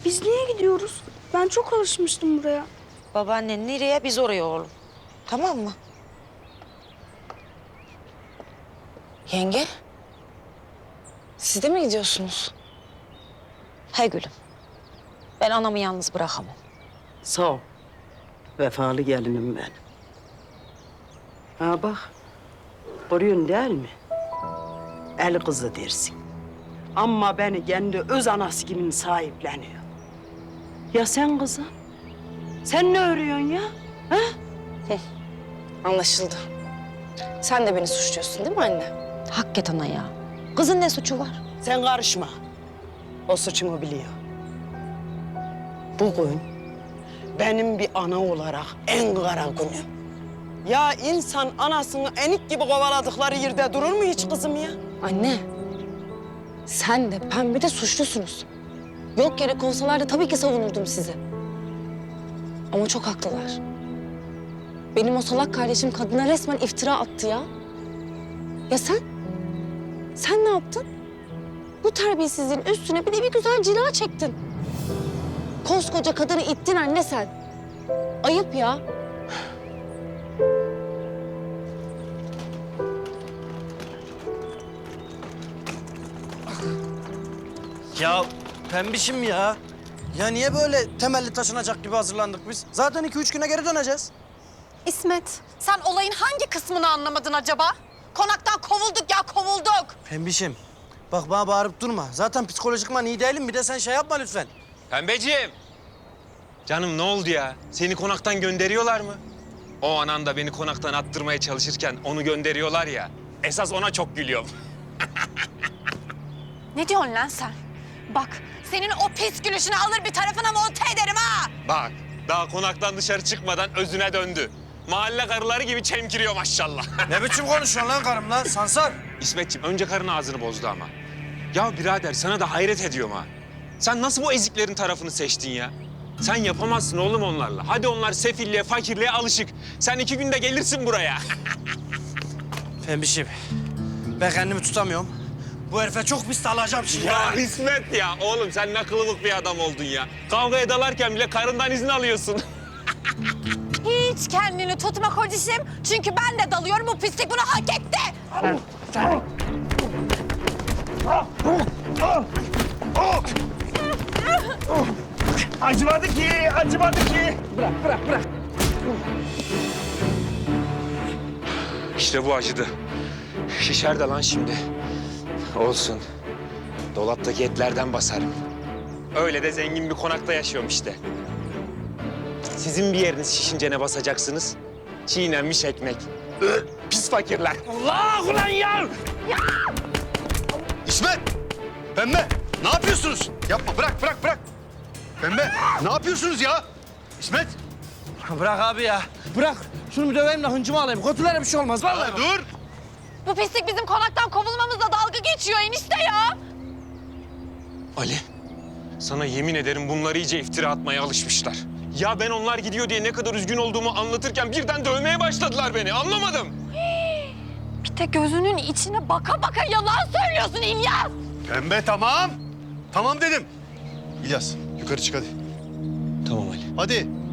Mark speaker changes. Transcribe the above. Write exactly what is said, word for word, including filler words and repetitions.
Speaker 1: Biz niye gidiyoruz? Ben çok alışmıştım buraya.
Speaker 2: Babaannen nereye, biz oraya oğlum. Tamam mı? Yenge, siz de mi gidiyorsunuz? He gülüm. Ben anamı yalnız bırakamam.
Speaker 3: Sağ ol. Vefalı gelinim ben. Ha bak, görüyorsun değil mi? El kızı dersin. Ama beni kendi öz anası gibi sahipleniyor. Ya sen kızım? Sen ne örüyorsun ya? Ha?
Speaker 4: Anlaşıldı. Sen de beni suçluyorsun değil mi anne?
Speaker 2: Hakikaten ana ya. Kızın ne suçu var?
Speaker 3: Sen karışma. O suçunu biliyor. Bugün benim bir ana olarak en kara günüm. Ya insan anasını enik gibi kovaladıkları yerde durur mu hiç kızım ya?
Speaker 4: Anne, sen de Pembe de suçlusunuz. Yok yere konsalar da tabii ki savunurdum sizi. Ama çok haklılar. Benim o salak kardeşim kadına resmen iftira attı ya. Ya sen? Sen ne yaptın? Bu terbiyesizliğin üstüne bir de bir güzel cila çektin. Koskoca kadını ittin anne sen. Ayıp ya.
Speaker 5: Ya pembişim ya. Ya niye böyle temelli taşınacak gibi hazırlandık biz? Zaten iki üç güne geri döneceğiz.
Speaker 6: İsmet, sen olayın hangi kısmını anlamadın acaba? Konaktan kovulduk ya, kovulduk.
Speaker 5: Pembişim, bak bana bağırıp durma. Zaten psikolojikman iyi değilim. Bir de sen şey yapma lütfen.
Speaker 7: Pembeciğim. Canım ne oldu ya? Seni konaktan gönderiyorlar mı? O anan da beni konaktan attırmaya çalışırken onu gönderiyorlar ya. Esas ona çok gülüyorum.
Speaker 6: Ne diyorsun lan sen? Bak, senin o pis gülüşünü alır bir tarafına monte ederim ha!
Speaker 7: Bak, daha konaktan dışarı çıkmadan özüne döndü. Mahalle karıları gibi çemkiriyor maşallah.
Speaker 5: Ne biçim konuşuyorsun lan karımla? Sansar.
Speaker 7: İsmetciğim önce karın ağzını bozdu ama. Ya birader sana da hayret ediyorum ha. Sen nasıl bu eziklerin tarafını seçtin ya? Sen yapamazsın oğlum onlarla. Hadi onlar sefilliğe, fakirliğe alışık. Sen iki günde gelirsin buraya.
Speaker 5: Pembişim, ben kendimi tutamıyorum. Bu herife çok pis alacağım şimdi.
Speaker 7: Ya İsmet ya, oğlum sen ne kılıbık bir adam oldun ya. Kavgaya dalarken bile karından izin alıyorsun.
Speaker 6: Hiç kendini tutma kocişim. Çünkü ben de dalıyorum, bu pislik bunu hak etti.
Speaker 8: Acımadı ki, acımadı ki.
Speaker 7: İşte bu acıdı. Şişer de lan şimdi. Olsun. Dolaptaki etlerden basarım. Öyle de zengin bir konakta yaşıyorum işte. Sizin bir yeriniz şişince ne basacaksınız? Çiğnenmiş ekmek. Ö, pis fakirler.
Speaker 8: Allah ulan ya!
Speaker 9: İsmet! Pembe! Ne yapıyorsunuz? Yapma, bırak, bırak, bırak. Pembe, ne yapıyorsunuz ya? İsmet!
Speaker 5: Bırak abi ya. Bırak. Şunu bir döveyim de hıncımı alayım. Kötülere bir şey olmaz vallahi.
Speaker 9: Ya dur!
Speaker 6: Bu pislik bizim konaktan kovulmamızla dalga geçiyor enişte ya.
Speaker 7: Ali, sana yemin ederim bunlar iyice iftira atmaya alışmışlar. Ya ben onlar gidiyor diye ne kadar üzgün olduğumu anlatırken birden dövmeye başladılar beni. Anlamadım.
Speaker 6: Bir de gözünün içine baka baka yalan söylüyorsun İlyas.
Speaker 9: Pembe tamam. Tamam dedim. İlyas, yukarı çık hadi.
Speaker 7: Tamam Ali.
Speaker 9: Hadi.